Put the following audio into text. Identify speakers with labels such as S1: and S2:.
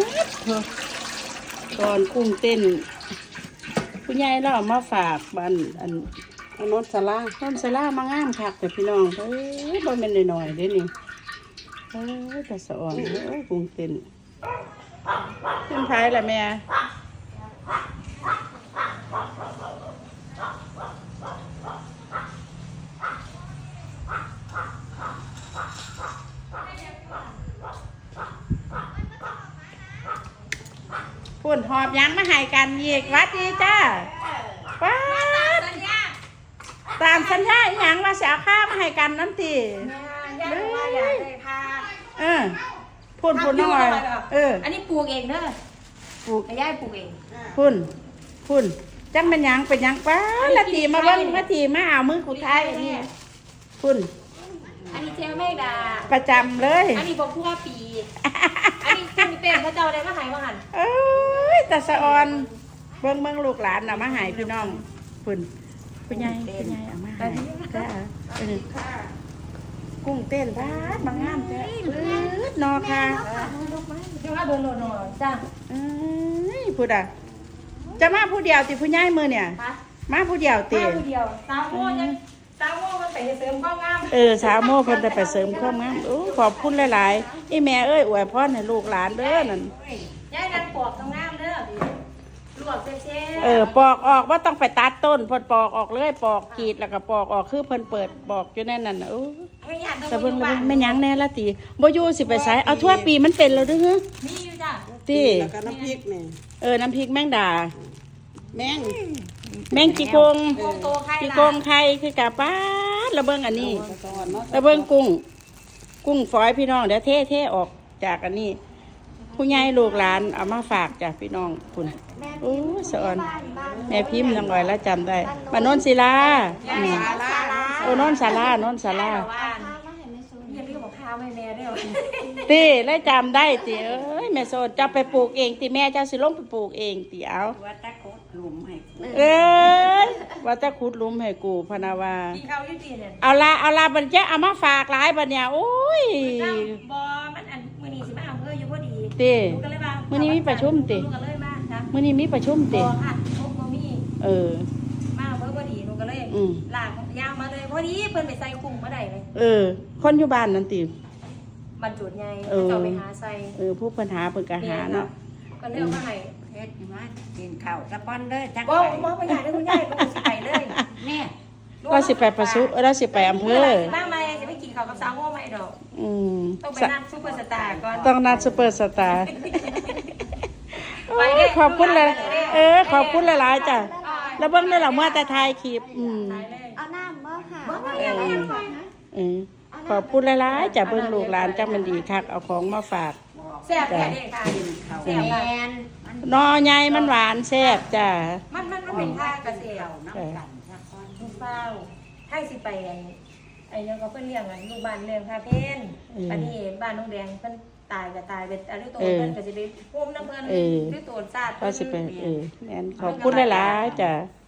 S1: ตอนกุ้งเต้นผู้ใหญ่เราเอามาฝากบ้านอัน
S2: นนสลา
S1: ต้นสลามางามคักแต่พี่น้องเอ้ยบ่แม่นน้อยๆเด้นี่เอ้ยแต่สะอ่อนเอ้ยกุ้งเต้นขึ้นท้ายละแม่พุ่นหอบยังมาให้กันอีกวัดดีจ้าว้าตามสัญญาอีหยังว่าสิเอาข้าวมาให้กันนั่นติพุ่นน้อย
S3: อันนี้ปลูกเองเด้อปลูกย่าปลูกเอง
S1: พุ่นจังเป็นหยังเป็นหยังป้าละทีมาเบิ่งละทีมาเอามือขุดท้ายอันนี้พุ่น
S3: อันนี้เจ้าแม่ดา
S1: ประจำเลย
S3: อันนี้บอกทั่วปีอันนี้คุณเป็นพระเจ้าได้มาหายมาหัน
S1: เอ้ยตาสะออนเบิ่งลูกหลานเอามาหายพี่น้องพุ่นคุณยายเอามาหายจ้ากุ้งเต้นบ้านบางงามจ้ะปื๊ดนอค่ะ
S3: เดี๋ยวมาโดนจ้า
S1: พูดอ่ะจะมาผู้เดียวติผู้ใหญ่มือเนี่ยมาผู้เดียวติ
S3: มาผู้เดียวสาวโม่มันไปเสริมความงาม
S1: สาวโม่เพิ่นไปเสริมความงามขอบคุณหลายๆอีแม่เอ้ยอวยพรให้ลูกหลานเด้อนั่น
S3: ยายนั่นปอกงามเด้อลวกเช่
S1: ปอกออกว่าต้องไปตัดต้นเพิ่นปอกออกเลยปอกกรีดแล้วก็ปอกออกคือเพิ่นเปิดปอกอยู่แน่นั่นน่ะแต่เพิ่นแม่ยังแน่ละติบ่อยู่สิไปไสเอาทั่วปีมันเป็นแล้วเด้อ
S3: มีอยู่จ้ะ
S1: ติ
S2: แล้วก็น้ำพริกนี่
S1: น้ำพริกแมงดาแมงจีกงจีกงไข่คือกะป้าระเบิงอันนี้ระเบิงกุ้งฝอยพี่น้องเดี๋ยวเทออกจากอันนี้ผู้ใหญ่ลูกหลานเอามาฝากจากพี่น้องคุณโอ้สอนแม่พิมพ์ยังไงแล้วจำได้มานนศิลาโนนศาลาตีแล้วจำได้ตีแม่โซนจะไปปลูกเองตีแม่จะสิลงไปปลูกเองตีเอาว่าจะขุดหลุมให้กูพนาวาเอาละบันเจ้าเอามาฝากหลายบันเนี่ยโอ้ย
S3: บอมันอันมือนี้สิมาเอาเพื่ออยู่พอดี
S1: ตีมือนี้มีประชุมตีมือนี้มีประชุมตี
S3: ค่ะทุกมือมีมาเพื่อพอดีหนูก็เลยหลากยาวมาเลยพอดีเพิ่นไปใส่กุ้งมาได้เลย
S1: คนอยู่บ้านนั่นตี
S3: บรรจุใหญ่จะไปหาใส่
S1: ผู้ปัญหาเปิดกระหาเนาะ
S3: ก็เลือกมาให้
S2: เฮ็ดมากินข้าวสะปอนเลยจัก
S3: บ่ไปใหญ่เลยคุณยายก็สิไปเลย
S1: เนี่ยก็สิไปประสุเราสิไปอำเภอ
S3: บ้างไหมจะไปกินข้าวกับสาวโง่ไหมดอกต้องไปนัดซุปเปอร์สตาร์ก่อน
S1: ต้องนัดซุปเปอร์สตาร์ขอบคุณเลยขอบคุณหลายๆจ้ะแล้วเบิ่งได้หรอเมื่อแต่ทายคลิป
S4: เอาน้ำบ่ค่ะ
S1: ขอบคุณหลายๆจ้ะเบิ่งลูกหลานจ้ามันดีคักเอาของมาฝาก
S3: แซ่บแท้เด้ค่ะแซ่บ
S1: นอใหญ่มันหวานแซ่บจ้ะ
S3: มันเป็นท่ากระเสียวน้ำกันลูกเฝ้าให้สิไปไอ้ยังก็เพิ่นเลี้ยงลูกบ้านเลี้ยงคาเพ่นอันนี้บ้านน้องแดงเพิ่นตายก็ตายเป็นอะไรตัวเพิ่นก็สิไปพุ่มน้ำเพิ่นด้วยตัวซาด
S1: ก็สิไปแม่นขอบคุณหลายๆจ้ะ